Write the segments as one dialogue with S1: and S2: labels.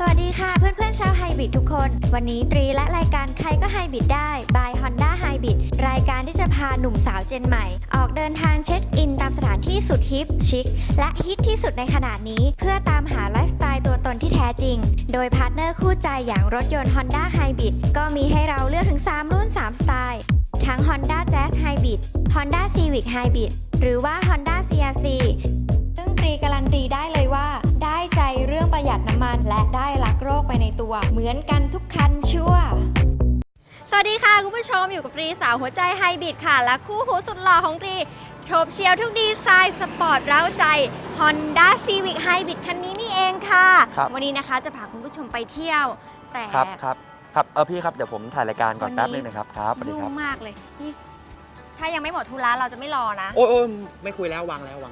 S1: วัสดีค่ะเพื่อนๆชาวไฮบริดทุกคนวันนี้ตรีและรายการใครก็ไฮบริดได้ by Honda Hybrid รายการที่จะพาหนุ่มสาวเจนใหม่ออกเดินทางเช็คอินตามสถานที่สุดฮิปชิคและฮิตที่สุดในขณะนี้เพื่อตามหาไลฟ์สไตล์ตัวตนที่แท้จริงโดยพาร์ทเนอร์คู่ใจอย่างรถยนต์ Honda Hybrid ก็มีให้เราเลือกถึง3รุ่น3สไตล์ทั้ง Honda Jazz Hybrid Honda Civic Hybrid หรือว่า Honda CRCซึ่งตรีการันตีได้เลยว่าได้ใจเรื่องประหยัดน้ำมันและได้รักโลกไปในตัวเหมือนกันทุกคันชัวร์สวัสดีค่ะคุณผู้ชมอยู่กับตรีสาวหัวใจไฮบริดค่ะและคู่หูสุดหล่อของตรีโฉบเฉี่ยวทุกดีไซน์สปอร์ตเร้าใจ Honda Civic Hybrid คันนี้นี่เองค่ะวันนี้นะคะจะพาคุณผู้ชมไปเที่ยวแต่
S2: ครับพี่ครับเดี๋ยวผมถ่ายรายการก่อนแป๊บนึงนะครับสวัสดีครับ
S1: ยุ่งมากเลยนี่ถ้ายังไม่หมดธุระเราจะไม่รอนะ
S2: โอ้ยไม่คุยแล้ววางแล้ว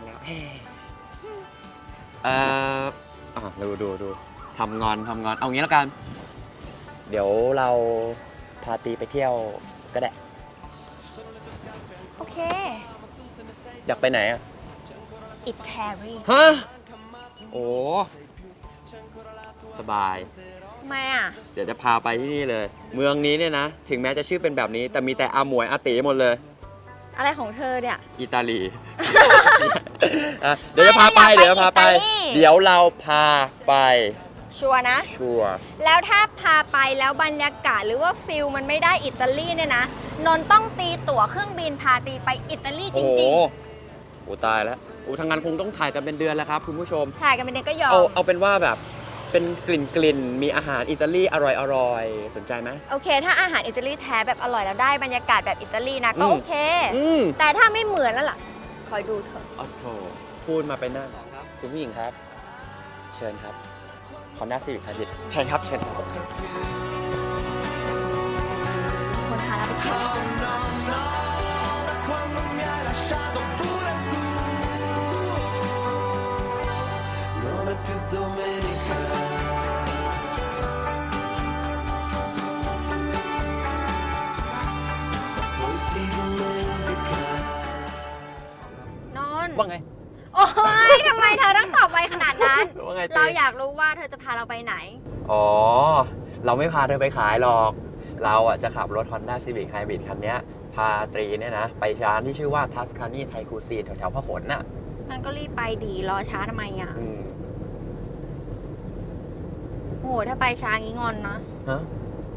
S2: ดูทำงอนเอางี้แล้วกันเดี๋ยวเราพาตีไปเที่ยวก็ได้
S1: โอเค
S2: อยากไปไหนอ่ะ
S1: อิตาลี
S2: ฮะโอ้สบาย
S1: ทำไมอ่ะ
S2: เดี๋ยวจะพาไปที่นี่เลยเมืองนี้เนี่ยนะถึงแม้จะชื่อเป็นแบบนี้แต่มีแต่อาหมวยอาตีหมดเลย
S1: อะไรของเธอเนี่ย
S2: อิตาลี เดี๋ยวจะพาไปเดี๋ยวเราพาไป
S1: ชัวร์นะ
S2: ชัวร์
S1: แล้วถ้าพาไปแล้วบรรยากาศหรือว่าฟิลมันไม่ได้อิตาลีเนี่ยนะนนต้องตีตั๋วเครื่องบินพาตีไปอิตาลีจริง
S2: ๆโอ้ตายแล้วทางงานคงต้องถ่ายกันเป็นเดือนแล้วครับคุณผู้ชม
S1: ถ่ายกันเป็นเดือนก็ยอม
S2: เอาเป็นว่าแบบเป็นกลิ่นมีอาหารอิตาลีอร่อยสนใจไหม
S1: โอเคถ้าอาหารอิตาลีแท้แบบอร่อยแล้วได้บรรยากาศแบบอิตาลีนะก็โอเคแต่ถ้าไม่เหมือนแล้วล่ะคอยดูเถอะ
S2: อ๋อโถพูดมาไปนั่นคุณผู้หญิงครับเชิญครับHonda Civic Hybridเชิญครับ
S1: คนพาเราไปเที่ยว
S2: ว่าไง
S1: โอ้ยทำไมเธอต้องตอบไปขนาดนั้นเราอยากรู้ว่าเธอจะพาเราไปไหน
S2: อ๋อเราไม่พาเธอไปขายหรอกเราอ่ะจะขับรถ Honda Civic Hybrid คันนี้พาตรีเนี่ยนะไปร้านที่ชื่อว่า Tuscany Thai Cuisine แถวพหลน่ะ
S1: งั้นก็รีบไปดีรอช้าทำไมอ่ะโอ้ถ้าไปช้างี้งอนนะ
S2: ฮะ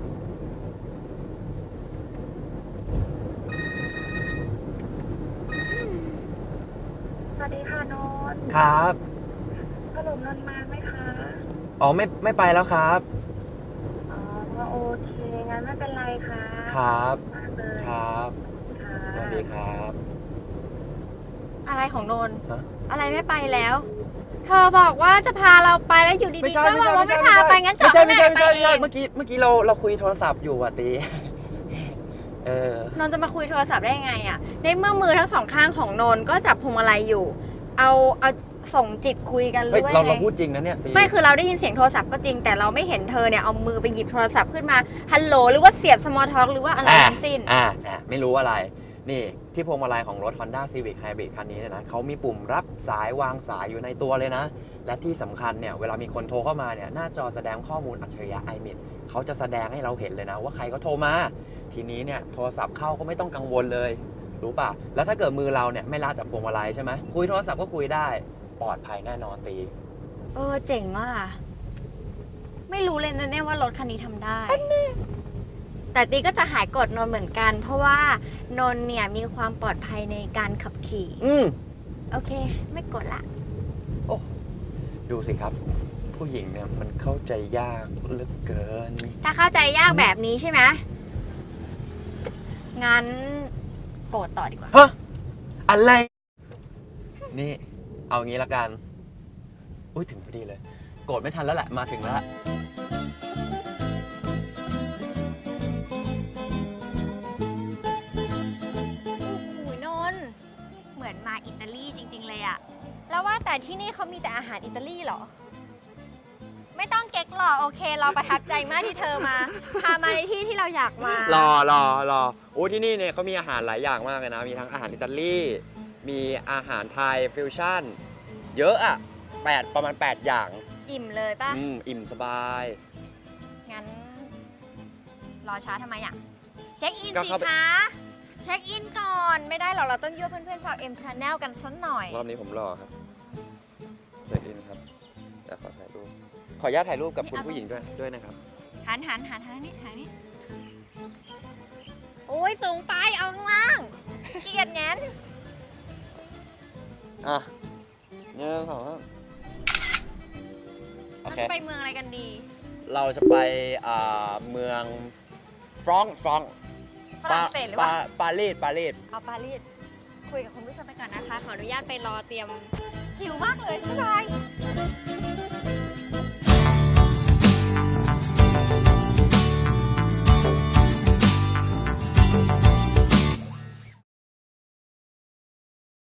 S3: สวัสดีค่ะนนท์
S2: ครับ
S3: สรุปนนท์มาไหมคะ
S2: อ๋อไม่ไปแล้วครับ
S3: อ๋อโอเคงั้นไม่เป็นไรค่ะ
S2: ครับ
S3: มากเลย
S2: ครับสวัสดีครับ
S1: อะไรของนนท์อะไรไม่ไปแล้วเธอบอกว่าจะพาเราไปแล้วอยู่ดีๆก็บอกว่าไม่พาไปงั้นจอดไหนไปเอง
S2: เมื่อกี้เราคุยโทรศัพท์อยู่อ่ะตี
S1: นนท์จะมาคุยโทรศัพท์ได้ไงอ่ะในเมื่อมือทั้งสองข้างของนนท์ก็จับพวงมาลัยอยู่เอาส่งจิตคุยกันเลย
S2: เราพูดจริงนะเนี่ย
S1: ไม่คือเราได้ยินเสียงโทรศัพท์ก็จริงแต่เราไม่เห็นเธอเนี่ยเอามือไปหยิบโทรศัพท์ขึ้นมาฮัลโหลหรือว่าเสียบสมอลท็อกหรือว่าอะไรทั้งสิ้น
S2: ไม่รู้อะไรนี่ที่พวงมาลัยของรถ Honda Civic Hybrid คันนี้นะเขามีปุ่มรับสายวางสายอยู่ในตัวเลยนะและที่สำคัญเนี่ยเวลามีคนโทรเข้ามาเนี่ยหน้าจอแสดงข้อมูลอัจฉริยะ iMessage เขาจะแสดงให้เราเห็นเลยนะว่าใครก็โทรมาทีนี้เนี่ยโทรศัพท์เข้าก็ไม่ต้องกังวลเลยรู้ป่ะแล้วถ้าเกิดมือเราเนี่ยไม่ลาจากพวงมาลัยใช่ไหมคุยโทรศัพท์ก็คุยได้ปลอดภัยแน่นอนตี
S1: เจ๋งมากไม่รู้เลยนะเนี่ยว่ารถคันนี้ทำได้แต่ตีก็จะหายกดนนเหมือนกันเพราะว่านนเนี่ยมีความปลอดภัยในการขับขี่โอเคไม่กดละ
S2: โอ้ดูสิครับผู้หญิงเนี่ยมันเข้าใจยากเหลือเกิน
S1: ถ้าเข้าใจยากแบบนี้ใช่ไหมงั้นกดต่อดีกว่า
S2: ฮะอะไรนี่เอางี้ละกันอุ้ยถึงพอดีเลยโกรธไม่ทันแล้วแหละมาถึงแล้ว
S1: นนเหมือนมาอิตาลีจริงๆเลยอะแล้วว่าแต่ที่นี่เขามีแต่อาหารอิตาลีเหรอไม่ต้องเก๊กหรอกโอเคเราประทับใจมากที่เธอมาพามาในที่ที่เราอยากมาร
S2: อโอ้ที่นี่เนี่ยเขามีอาหารหลายอย่างมากเลยนะมีทั้งอาหารอิตาลีมีอาหารไทยฟิวชั่นเยอะอะประมาณ8อย่าง
S1: อิ่มเลยป่ะ
S2: อิ่มสบาย
S1: งั้น รอช้าทำไมอ่ะ เช็คอิน
S2: ก็
S1: สิ
S2: เข้าไป
S1: คะ เช็คอินก่อน ไม่ได้หรอก เราต้องยั่วเพื่อนๆชาว M Channel กันสักหน่อย
S2: รอบนี้ผมรอครับเช็คอินครับเดี๋ยวขอถ่ายรูป ขออนุญาตถ่ายรูปกับคุณผู้หญิงด้วยนะครับ
S1: หันทางนี้โอ้ยสูงไปเอาข้างล่างเกลียดแงน
S2: อ่ะ1 2 3โอ
S1: เรา
S2: เค
S1: จะไปเมืองอะไรกันดี
S2: เราจะไปเมืองฟรองก์
S1: ฝรั่งเศสหรือว่า
S2: ปารีส
S1: เอาปารีสคุยกับคุณผู้ชมไปก่อนนะคะ ขออนุญาตไปรอเตรียมหิวมากเลย บ๊ายบาย